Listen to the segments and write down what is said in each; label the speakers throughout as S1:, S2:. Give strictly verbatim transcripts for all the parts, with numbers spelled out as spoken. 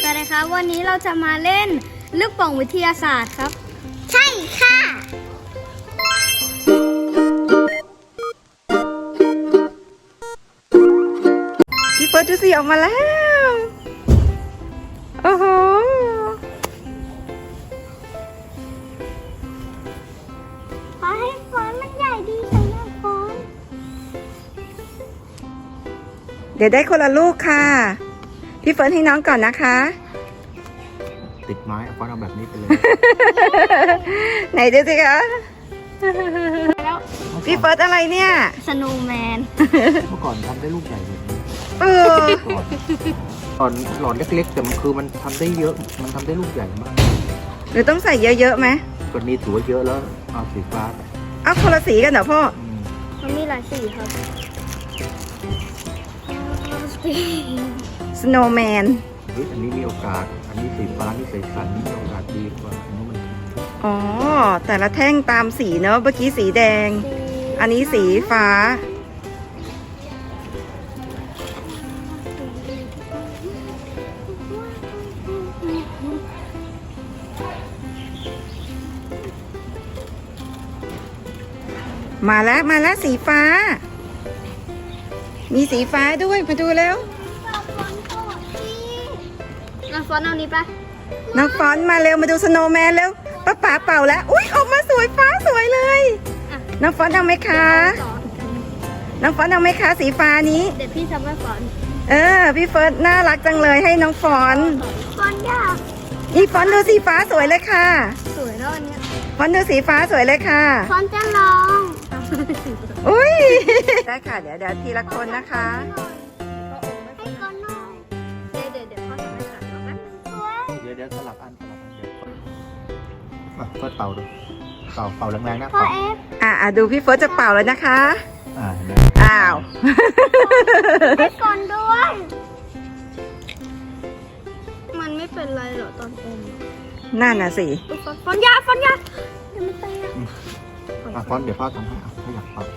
S1: กันนะคะวันนี้เราจะมาเล่นลูกโป่งวิทยาศาสตร์ครับ
S2: ใช่ค่ะ
S3: พี่เฟิร์สดูสิออกมาแล้วโอ้โห
S2: ขอให้ฟอนต์มันใหญ่ดีสำหรับฟอนต์
S3: เดี๋ยวได้คนละลูกค่ะพี่เฟิร์สให้น้องก่อนนะคะ
S4: ติดไม้เอาฟอนต์เอาแบบนี้ไปเลย
S3: ไหนดูสิคะ
S1: แล้ว
S3: พี่เฟิร์สอะไรเนี่ย
S1: สโนว์แมน
S4: เมื่อก่อนทำได้ลูกใหญ่แบบนี้
S3: เออ
S4: ก่อนหลอดเล็กๆแต่มันคือมันทำได้เยอะมันทำได้ลูกใหญ่มาก
S3: หรือต้องใส่เยอะๆไหม
S4: ตอนนี้ถือว่าเยอะแล้วเอาสีฟ้าไป
S3: เอาคนละสีกันเหรอพ่อ
S4: อืม
S1: มันมีหลายสีครับ
S3: สโนว์แมน
S4: เฮ้ยอันนี้มีโอกาส อันนี้สีฟ้านี่ใสสันนี่มีโอกาสดีกว่าอันนี้มัน
S3: อ๋อแต่ละแท่งตามสีเนอะเมื่อกี้สีแดง อันนี้สีฟ้ามาแล้วมาแล้วสีฟ้า มีสีฟ้าด้วยมาดูแล้ว
S1: น้องฟอนต์เอานี้ปะ
S3: น้องฟอนต์มาเร็วมาดูสโนว์แมนเร็วป้าป๋าเป่าแล้วอุ้ยออกมาสวยฟ้าสวยเลย
S1: อ่ะ
S3: น้องฟอนต์เอาไหมคะ
S1: สอน
S3: น้องฟอนต์เอาไหมคะสีฟ้านี้
S1: เดี๋ยวพี่ทำให้ฟอนต์
S3: เออพี่เฟิร์สน่ารักจังเลยให้น้องฟอนต์
S2: ฟอนต์ยาก
S3: นี่ฟอนต์ดูสีฟ้าสวยเลยค่ะ
S1: สวยแล้วอันเนี้ย
S3: ฟอนต์ดูสีฟ้าสวยเลยค่ะ
S2: ฟอนต์จะลอง
S3: อุ้ย ได้ค่ะเดี๋ยวเดี๋ยวทีละคนนะคะ
S2: ให้ก่อนหน่อย
S1: เดี๋ยวเดี๋ยวเดี๋ยวพ่อทำให้ค่ะเอาไหม
S2: สวย
S4: เดี๋ยวเดี๋ยวสลับอันสลับอันเดี๋ยวอ่ะเฟิร์สเป่าดูเป่าเป่าแรงๆนะ
S2: พอ
S4: เป่า
S2: เอฟ
S3: อ่ะอ่ะดูพี่เฟิร์สจะเป่าแล้วนะคะ
S4: อ่าเห็นไหม
S3: อ้าว
S2: ให้ก่อนด้วย
S1: มันไม่เป็นไรหรอตอนอม
S3: นั่นน่ะสิ
S1: อุ๊ยฟอนต์ฟอนต์ยาฟอนต์ยา
S2: เดี๋ยวมันเตะ
S4: อ่ะฟอนต์เดี๋ยวพ่อทำให้อ่ะถ้าอยากเป่า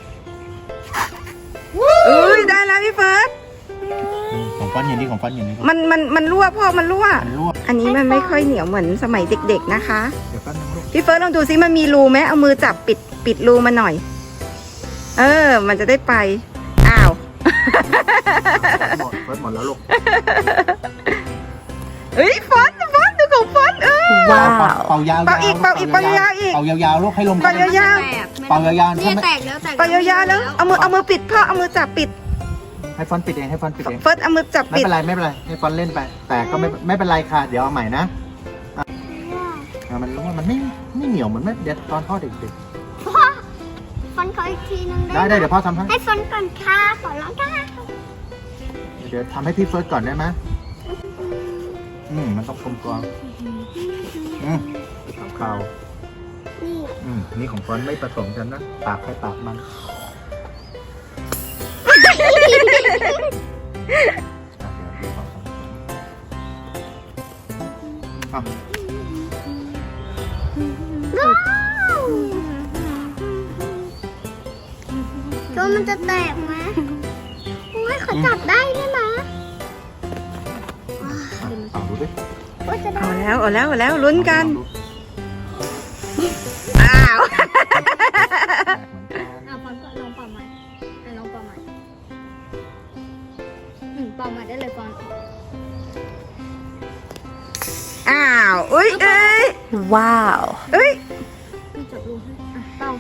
S3: อุ้ยได้แล้วพี่เฟิร์ส
S4: อืมของฟอนต์อย่างนี้ของฟอนต์อย่างนี้
S3: มันมันมันรั่วพ่อมันรั่ว
S4: มันรั่ว
S3: อันนี้มันไม่ค่อยเหนียวเหมือนสมัยเด็กๆนะคะ
S4: เดี๋ยวแป๊บนึงลูก
S3: พี่เฟิร์สลองดูซิมันมีรูไหมเอามือจับปิดปิดรูมันหน่อย เออ มันจะได้ไป อ้าว
S4: หมดเฟิร์สหมดแล้วลูก
S3: เฮ้ยฟอนต์ฟอนต์ดูของฟอนต์เออ
S4: ว้าวเป่ายาวๆ
S3: เป่าอีกเป่าอีกเป่ายาวๆอีก
S4: เป่ายาวๆลูกให้ลม
S3: เป่ายาว
S4: เป่ายาวๆ
S1: นี่
S4: ถ้าไม่
S1: แตกแล้วแตก
S3: เป่ายาวๆแล้วเอามือเอามือปิดพ่อเอามือจับปิด
S4: ให้ฟอนต์ปิดเองให้ฟอนต์ปิดเอง
S3: เฟิร์สเอามือจับ
S4: ไม่
S3: ปิด
S4: เป็นไรไม่เป็นไรให้ฟอนต์เล่นไป แต่ก็ไม่ไม่เป็นไรค่ะ เดี๋ยวเอาใหม่นะอ่ะมันรู้ว่ามันไม่ไม่เหนียวเหมือนไม่เด็ดตอนพ่อเด็ก
S2: พ่อฟอนต์ขออีกทีนึง
S4: ๆ
S2: ได้
S4: ได้
S2: ไหม
S4: ได้เดี๋ยวพ่อทำให้
S2: ให้ฟอนต์ก่อนค่ะขอร้องค่ะ
S4: เดี๋ยวทำให้พี่เฟิร์สก่อนได้ไหมอืมมันต้องกลมกลอมอืมเปล่า
S2: นี่
S4: อืมนี่ของฟอนต์ไม่ผสมกันนะปากใครปากมันอ่ะเดี๋ยวดูของฟอนต์
S2: ตัวมันจะแตกไหมโอ้ยขอจับได้ด้วยนะ
S4: อ่ะเป่าดูดิ
S2: ว่าจะได้
S3: เอาแล้วเอาแล้วเอาแล้วลุ้นกัน อ้าว
S1: อ่ะฟอนต์ก็ลองเป่าใหม่อ่ะลองเป่าใหม่อืมเป่าใหม่ได้เลยฟอนต์
S3: อ้าวอุ้ยเอ้ย
S2: ว้าว
S3: เอ้ย
S1: พี่จับรูให้อ่ะเป่า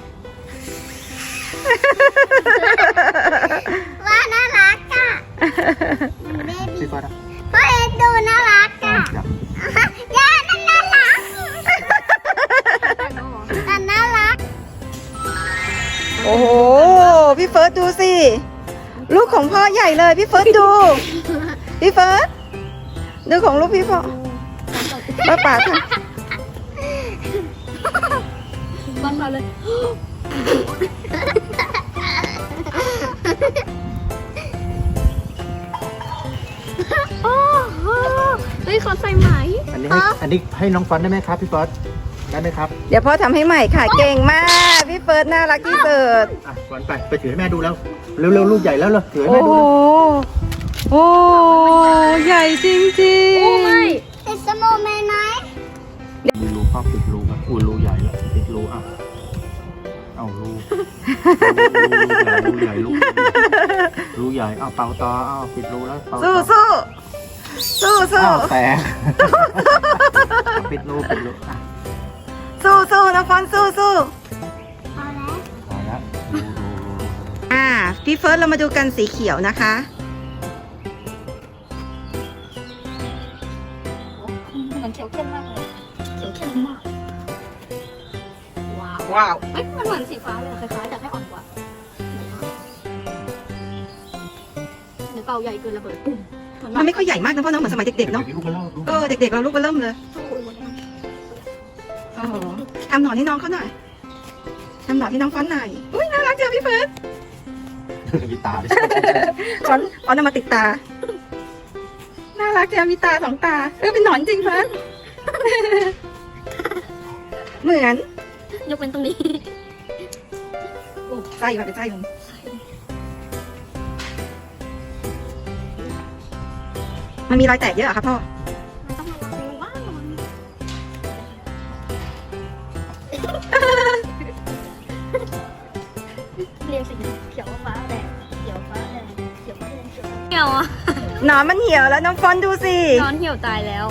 S2: ว่าน่ารักอ่ะเบบี้
S4: พี่เฟิร์สอ่ะ
S2: พ่อเอ็ดดูน่ารักอ่ะ
S4: จับ
S2: ย่านั่นน่ารัก
S1: แตกแล้วเหรอ
S2: นั่นน่ารัก
S3: โอ้โหพี่เฟิร์สดูสิลูกของพ่อใหญ่เลยพี่เฟิร์สดู พี่เฟิร์สดูของลูกพี่พ่อป้าป๋าค่ะ
S1: ฟอนต์เป่าเลย โอ้โหเฮ้ยเขาใส่ไหม
S4: อันนี้ให้อันนี้ให้น้องฟอนต์ได้ไหมครับพี่เฟิร์สได้ไหมครับ
S3: เดี๋ยวพ่อทำให้ใหม่ค่ะเก่งมากพี่เฟิร์สน่ารักที่สุด
S4: อ่ะฟอนต์ไปไปถือให้แม่ดูแล้วเร็วๆลูกใหญ่แล้วเลยถือให้
S3: โอ้
S4: แม่
S3: โห
S4: ดู
S3: โอ้ใหญ่จริงๆ
S1: โอ้ไม่
S2: เอ็
S4: อุ้ยรูใหญ่แล้วปิดรูอ่ะเอารูรูใหญ่รูใหญ่รูรูใหญ่เอาเป่าต่อเอาปิดรูแล้วเป่าต่
S3: สู้
S4: อ
S3: สู้สู้สู้
S4: อ้าวแตกปิดรูปิดรูอ่ะ
S3: สู้สู้น้องฟอนสู้สู้
S2: พอแล้ว
S4: พอแล้วรูรูรูรู
S3: อ่าพี่เฟิร์สเรามาดูกันสีเขียวนะคะ
S1: มันเขียวเข้มมากเลยเขียวเข้มมากว้าว
S3: ว้าว
S1: เอ้ยมันเหมือนสีฟ้าเลยคล้ายๆแต่แค่อ่อนกว่าเดี๋ยวเป่าใหญ่เกินระเบิดปุ้ม
S3: มันไม่ค่อยใหญ่มากนะพ่อเนาะเหมือนสมัยเด็กๆเนาะ
S4: ดี๋ยวลูกมันเล่าลูก
S3: เออเด็กๆเราลูกเบอร์เริ่มเลยโอ้โหทำหนอนให้น้องเขาหน่อยทำหนอนให้น้องฟอนหน่อยอุ้ยน่ารักจังพี่เฟิร์ส
S4: มีตาด้วย
S3: ฟอนฟอนเอามาติดตา น่ารักจังมีตาสองตาเออเป็นหนอนจริงเฟิร์ส เหมือน
S1: ยกเป็นตรงนี้
S3: ไส้มาเป็นไส้ลงมันมีรอยแตกเยอะเหรอครับพ่อ
S1: มันต้องระวังว้าวเรียงสีเขียวฟ้าแดงเขียวฟ้าแดงเขียวฟ้าแดงเขียวฟ้าเหี่ยวอ่ะ
S3: หนอนมันเหี่ยวแล้วน้องฟอนดูสิ
S1: นอนเหี่ยวตายแล้ว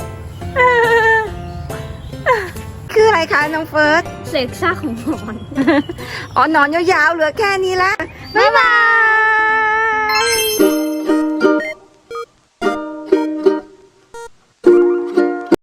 S3: คืออะไรคะน้องเฟิร์ส
S1: เศษซากของหนอน
S3: อ๋อหนอนยาวๆเหลือแค่นี้ละบ๊ายบาย